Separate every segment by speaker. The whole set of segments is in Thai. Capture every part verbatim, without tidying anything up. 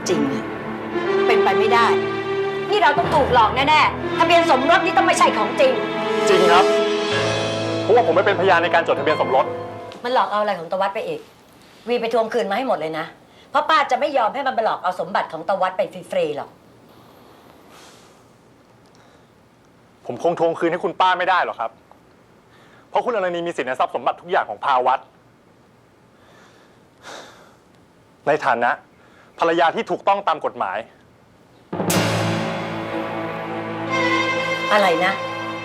Speaker 1: จริงอะเป็นไปไม่ได้นี่เราต้องถูกหลอกแน่ๆทะเบียนสมรสนี่ต้องไม่ใช่ของจริง
Speaker 2: จริงครับเพราะว่าผมไม่เป็นพยานในการจดทะเบียนสมรส
Speaker 1: มันหลอกเอาอะไรของตะวัดไปอีกวีไปทวงคืนมาให้หมดเลยนะเพราะป้าจะไม่ยอมให้มันไปหลอกเอาสมบัติของตะวัดไปฟรีๆหรอก
Speaker 2: ผมคงทวงคืนให้คุณป้าไม่ได้หรอกครับเพราะคุณอรณีมีสิทธิ์ในทรัพย์สมบัติทุกอย่างของภาวัตในฐานะภรรยาที่ถูกต้องตามกฎหมาย
Speaker 1: อะไรนะ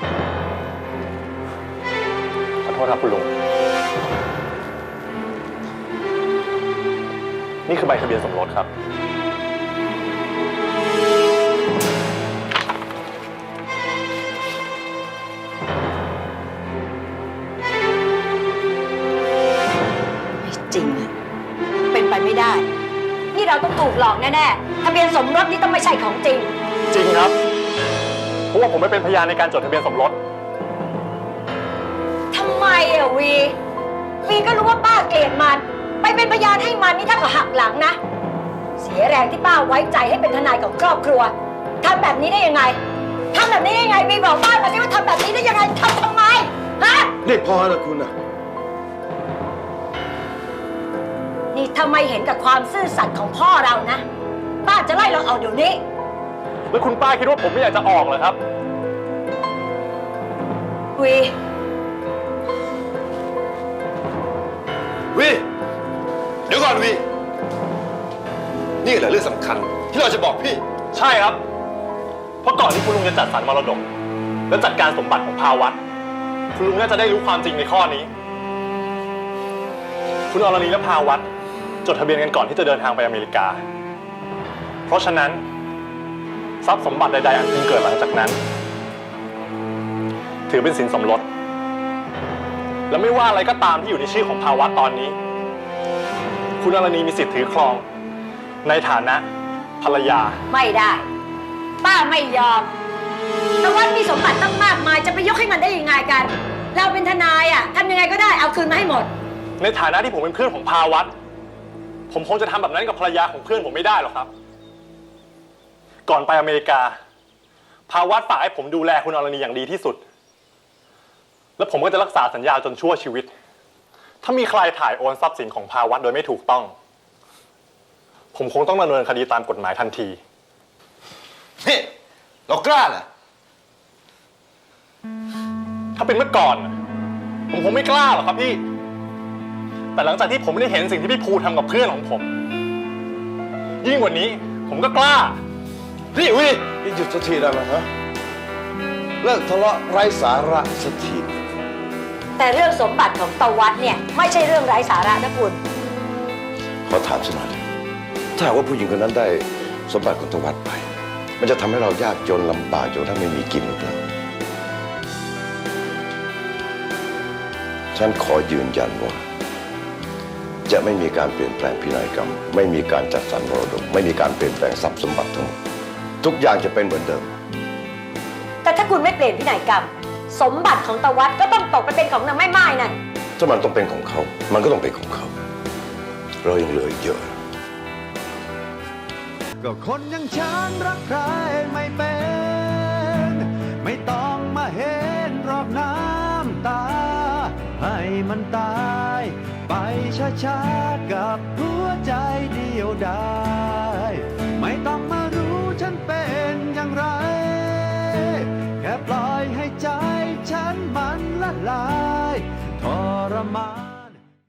Speaker 2: ขอโทษครับคุณลุงนี่คือใบทะเบียนสมรสครับ
Speaker 1: ไม่จริงอะเป็นไปไม่ได้นี่เราต้องถูกหลอกแน่ๆทะเบียนสมรสนี่ต้องไม่ใช่ของจริง
Speaker 2: จริงครับเพราะว่าผมไม่เป็นพยานในการจดทะเบียนสมรส
Speaker 1: ทำไมอะวีวีก็รู้ว่าป้าเกลียดมันไปเป็นพยานให้มันนี่ถ้ากับหักหลังนะเสียแรงที่ป้าไว้ใจให้เป็นทนายของครอบครัวทำแบบนี้ได้ยังไงทำแบบนี้ได้ยังไงวีบอกป้ามาสิว่าทำแบบนี้ได้ยังไงทำทำไมฮะ
Speaker 3: นี่พอแล้วคุณอะ
Speaker 1: นี่ทำไมเห็นกับความซื่อสัตย์ของพ่อเรานะป้าจะไล่เราออกเดี๋ยวนี้
Speaker 2: แล้วคุณป้าคิดว่าผมไม่อยากจะออกเหรอครับ
Speaker 1: วี
Speaker 3: วีเดี๋ยวก่อนวีนี่แหละเรื่องสำคัญที่เราจะบอกพี่
Speaker 2: ใช่ครับเพราะก่อนที่คุณลุงจะจัดสรรมรดกและจัดการสมบัติของภาวัตคุณลุงน่าจะได้รู้ความจริงในข้อนี้คุณอรณีและภาวัตจดทะเบียนกันก่อนที่จะเดินทางไปอเมริกาเพราะฉะนั้นทรัพย์สมบัติใดๆอันพึงเกิดหลังจากนั้นถือเป็นสินสมรสและไม่ว่าอะไรก็ตามที่อยู่ในชื่อของภาวัตตอนนี้คุณอรณีมีสิทธิ์ถือครองในฐานะภรรยา
Speaker 1: ไม่ได้ป้าไม่ยอมแต่ว่ามีสมบัติตั้งมากมายจะไปยกให้มันได้ยังไงกันเราเป็นทนายอ่ะทำยังไงก็ได้เอาคืนมาให้หมด
Speaker 2: ในฐานะที่ผมเป็นเพื่อนของภาวัตผมคงจะทำแบบนั้นกับภรรยาของเพื่อนผมไม่ได้หรอกครับก่อนไปอเมริกาภาวัตฝากให้ผมดูแลคุณอรณีอย่างดีที่สุดและผมก็จะรักษาสัญญาจนชั่วชีวิตถ้ามีใครถ่ายโอนทรัพย์สินของภาวัตโดยไม่ถูกต้องผมคงต้องดำเนินคดีตามกฎหมายทันที
Speaker 3: เฮ้เรากล้าเหรอ
Speaker 2: ถ้าเป็นเมื่อก่อนผมคงไม่กล้าหรอกครับพี่แต่หลังจากที่ผมได้เห็นสิ่งที่พี่ภูทำกับเพื่อนของผมยิ่งกว่านี้ผมก็กล้า
Speaker 3: พี่วิพี่หยุดสักทีได้ไหมฮะเลิกทะเลาะไร้สาระสักที
Speaker 1: แต่เรื่องสมบัติของตะวัดเนี่ยไม่ใช่เรื่องไร้สาระนะคุณ
Speaker 3: ขอถามสักหน่อยถ้าว่าผู้หญิงคนนั้นได้สมบัติของตะวัดไปมันจะทำให้เรายากจนลำบากจนถ้าไม่มีกินหรือเปล่าฉันขอยืนยันว่าจะไม่มีการเปลี่ยนแปลงพินัยกรรมไม่มีการจัดสรรมรดกไม่มีการเปลี่ยนแปลงทรัพย์สมบัติทั้งหมดทุกอย่างจะเป็นเหมือนเดิม
Speaker 1: แต่ถ้าคุณไม่เปลี่ยนพินัยกรรมสมบัติของตะวัดก็ต้องตกไปเป็นของนางแม่ไม้นั่น
Speaker 3: ถ้ามันต้องเป็นของเขามันก็ต้องเป็นของเขาเรายังเหลือเยอะ
Speaker 4: ก็คนอย่างฉันรักใครไม่เป็นไม่ต้องมาเห็นรอบน้ำตาให้มันตายไปช้าๆกับหัวใจเดียวดายไม่ต้องมารู้ฉันเป็นอย่างไรแค่ปล่อยให้ใจฉันมันละลายทรมาน